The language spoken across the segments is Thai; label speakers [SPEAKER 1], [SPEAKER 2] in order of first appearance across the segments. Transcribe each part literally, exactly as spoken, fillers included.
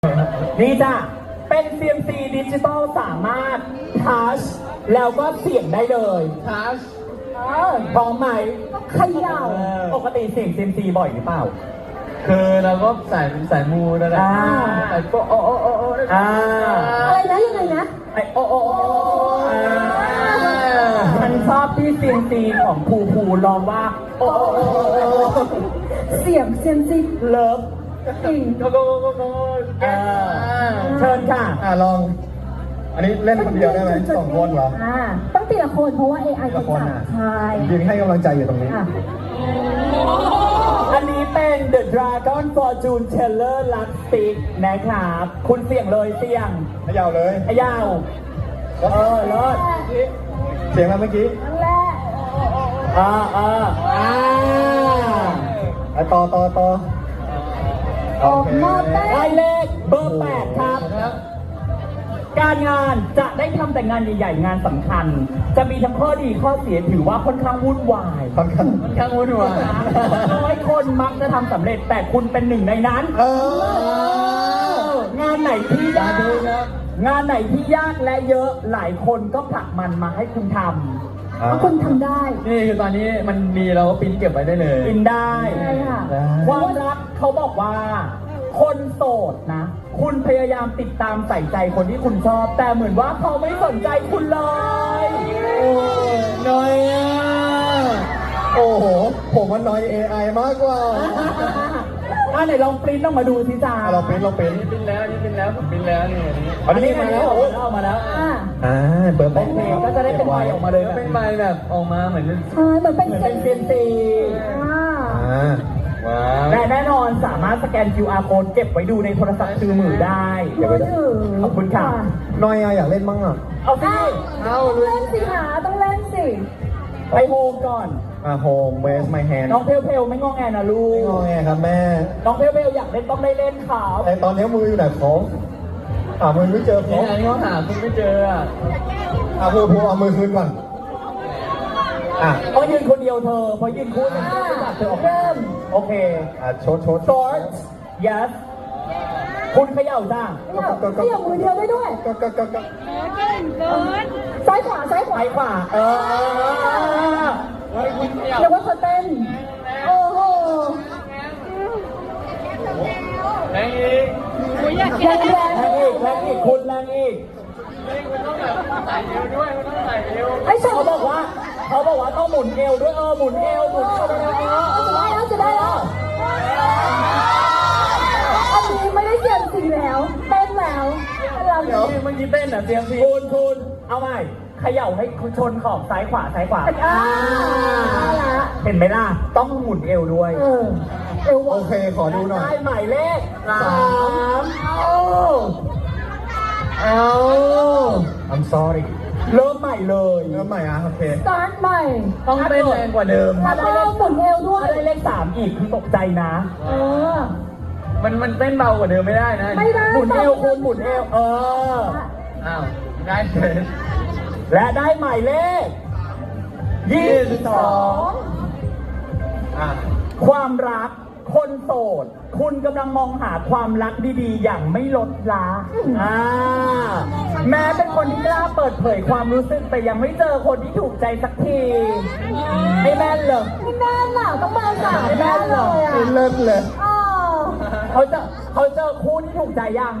[SPEAKER 1] นี่จ้ะเป็น ซี เอ็ม ซี ดิจิตอลสามารถทัชแล้วก็เสียงได้เลยทัชพร้อมไหมเขย่าปกติเสียง ซี เอ็ม ซี บ่อยหรือเปล่า
[SPEAKER 2] คือเราก็สายสายมูนั่นแหละสายโปโอโอโอโอ
[SPEAKER 3] อะไรนะยังไงนะ
[SPEAKER 1] ไอโอโอโอฉันชอบที่ ซี เอ็ม ซี ของภูภูร้องว่าโอโอโอ
[SPEAKER 3] เสียงเซียมซี
[SPEAKER 1] เลิฟ
[SPEAKER 3] จริง
[SPEAKER 2] โกโกโกโก
[SPEAKER 1] เชิญค่ะ
[SPEAKER 2] อ่าลองอันนี้เล่นคนเดียวได้ไหมสองคนเหรอ
[SPEAKER 3] อ่าต้องตีละคนเพราะว่า เอ ไอ จะจับใช่
[SPEAKER 2] ยืนให้กำลังใจอยู่ตรงนี้
[SPEAKER 1] อันนี้เป็น The Dragon Fortune Teller Luck Stick นะครับคุณเสี่ยงเลยเสี่ยง
[SPEAKER 2] ขย่าเลย
[SPEAKER 1] ขย่าเออเลิศ
[SPEAKER 2] เสียงมาเมื่อกี้
[SPEAKER 3] นั่นแหละ
[SPEAKER 1] อ่าอ่าอ่า
[SPEAKER 2] ไอต่อต่อต่อ
[SPEAKER 3] ออกมา
[SPEAKER 1] ได้เลขเบอร์แปดครับการงานจะได้ทำแต่งานใหญ่ๆงานสำคัญจะมีทั้งข้อดีข้อเสียถือว่าค่อนข้างวุ่นวาย
[SPEAKER 2] ค่อนข้าง
[SPEAKER 1] ค่อนข้างวุ่นวายน้อยคนมักจะทำสำเร็จแต่คุณเป็นหนึ่งในนั้นเอองานไหนที่ยากงานไหนที่ยากและเยอะหลายคนก็ผลักมันมาให้คุณท
[SPEAKER 3] ำคุณทำได้
[SPEAKER 2] นี่คือตอนนี้มันมีเราก็ปริ้นเก็บไว้ได้เลย
[SPEAKER 1] ปริ้นได้ความรักเขาบอกว่าคนโสดนะคุณพยายามติดตามใส่ใจคนที่คุณชอบแต่เหมือนว่าเขาไม่สนใจคุณเลย
[SPEAKER 2] โอ้น้อยอ่ะโอ้โหผมว่าน้อย เอ ไอ มากกว่า
[SPEAKER 1] อ่ะไหนลองปริ้นออกมาดูสิจ้า
[SPEAKER 2] เราปริ้นเราปริ้นปริ้นแล้วนี่ปริ้นแล้วผมปริ้นแล้วนี่
[SPEAKER 1] อันนี้มาแล้วเอามาแล้ว
[SPEAKER 2] อ่าเบอร์แปด
[SPEAKER 1] ก็จะได้เป็นใบออกมาเลย
[SPEAKER 2] เป็นใบแบบออกมาเหมือน
[SPEAKER 3] ใช่เหมือนเป็น
[SPEAKER 1] เป็นเซนซีและแน่นอนสามารถสแกน คิว อาร์ Code เก็บไว้ดูในโทรศัพท์มือได้
[SPEAKER 3] เก็บไว้ได้
[SPEAKER 1] ขอบคุณค่ะ
[SPEAKER 2] น้อยอยากเล่นบ้างอ่ะ
[SPEAKER 1] เอาสิ
[SPEAKER 3] เอาเล่นสิหาต้องเล่นสิ
[SPEAKER 1] ไปโฮมก่อน
[SPEAKER 2] อ่าโฮมเวสไมแฮน
[SPEAKER 1] น้องเพลเพลไม่งอแงนะลูก
[SPEAKER 2] ไม่งอแงครับแม่
[SPEAKER 1] น้องเพลเพลอยากเล่นต้องได้เล่นข่าว
[SPEAKER 2] แต่ตอนนี้มืออยู่ไหนของหามือไม่เจอของ
[SPEAKER 1] นี่เขาหาคุณไม่เจออ่ะ
[SPEAKER 2] อ่าพูดพูดเอามือคืนก่อน
[SPEAKER 1] อ่ะเพราะยืนคนเดียวเธอเพราะยืนคู่กันเธอเธอเริ่มโอเค
[SPEAKER 2] อ่ะโชดโชด
[SPEAKER 1] short yes คุณเขย่าจ้า
[SPEAKER 3] เขย่ามือเดียวได้ด้วย
[SPEAKER 2] ก็ก็ก็ก็
[SPEAKER 3] ซ้ายขวาซ้ายขวา
[SPEAKER 1] ซ้ายขวาเออ
[SPEAKER 3] เดี๋ยวว่าเขาเต้นโอ้โห
[SPEAKER 2] แรงอีก
[SPEAKER 3] แรงแรง
[SPEAKER 1] อีกแรงอีกคุณแรงอีก
[SPEAKER 2] มันต้องแบบใส่เอวด้วยมันต้องใส่เอว
[SPEAKER 1] ไอ้เขาบอกว่าเขาบอกว่าต้องหมุนเอวด้วยเออหมุนเอวหมุนเอว
[SPEAKER 3] จะได้แล้วจะได้แล้วอันนี้ไม่ได้เสียงจริงแล้วเต้นแล้ว
[SPEAKER 1] เราเดี๋ยวเมื่อกี้เต้นอ่ะเสียงพี่คุณคุณเอาใหม่เขย่าให้ชนขอบซ้ายขวาซ้ายขวาเห็นไหมล่ะต้องหมุนเอวด้วย
[SPEAKER 3] เออเอว
[SPEAKER 2] โอเคขอดูหน่อย
[SPEAKER 1] ได้หมายเลขสามเอาเอา
[SPEAKER 2] I'm sorry
[SPEAKER 1] เริ่มใหม่เลย
[SPEAKER 2] เริ่มใหม่อ่ะโอเค
[SPEAKER 3] สตาร์ทใหม่
[SPEAKER 1] ต้องเต้นแรงกว่าเดิม
[SPEAKER 3] ถ้าได้เลขหมุนเอวด้วย
[SPEAKER 1] ถ้าได้เลขสามอีกคือตกใจนะ
[SPEAKER 3] เออ
[SPEAKER 1] มันมันเต้นเบากว่าเดิมไม่ได้นะ
[SPEAKER 3] ไม่ได้
[SPEAKER 1] หมุนเอวคุณหมุนเอวเอออ้าวได้เลยและได้หมายเลขยี่สิบสองอ่ะความรักคนโสดคุณกำลังมองหาความรักดีๆอย่างไม่ลดละอ่าแม้เป็นคนที่กล้าเปิดเผยความรู้สึกแต่ยังไม่เจอคนที่ถูกใจสักทีไม่แม่นเหรอ
[SPEAKER 3] ไม่แม่นหรอต้องมาสาม
[SPEAKER 1] ไม่แม่นเหรอ
[SPEAKER 2] ไม่เลิศเลย
[SPEAKER 1] เขาจะเขาเจอคู่ที่ถูกใจยัง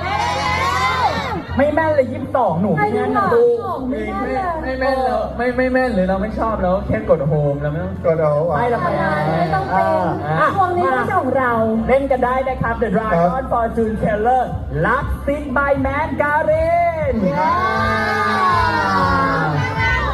[SPEAKER 1] ไม่แม่นเลยยี่สิบสองหนูไม่แม่นนะดู
[SPEAKER 2] ไม่ไม่แม่นแล้วไม่ไม่แม่นหรือเราไม่ชอบแล้วแค่กดโฮมเราไม่ต้องกดเอา
[SPEAKER 1] ไม่เราไป
[SPEAKER 3] ไม่ต้องเป็นวงนี้ไม่ใช่ของเรา
[SPEAKER 1] เล่นกันได้นะครับ The Dragon Fortune Teller Luck Stick by Man Garin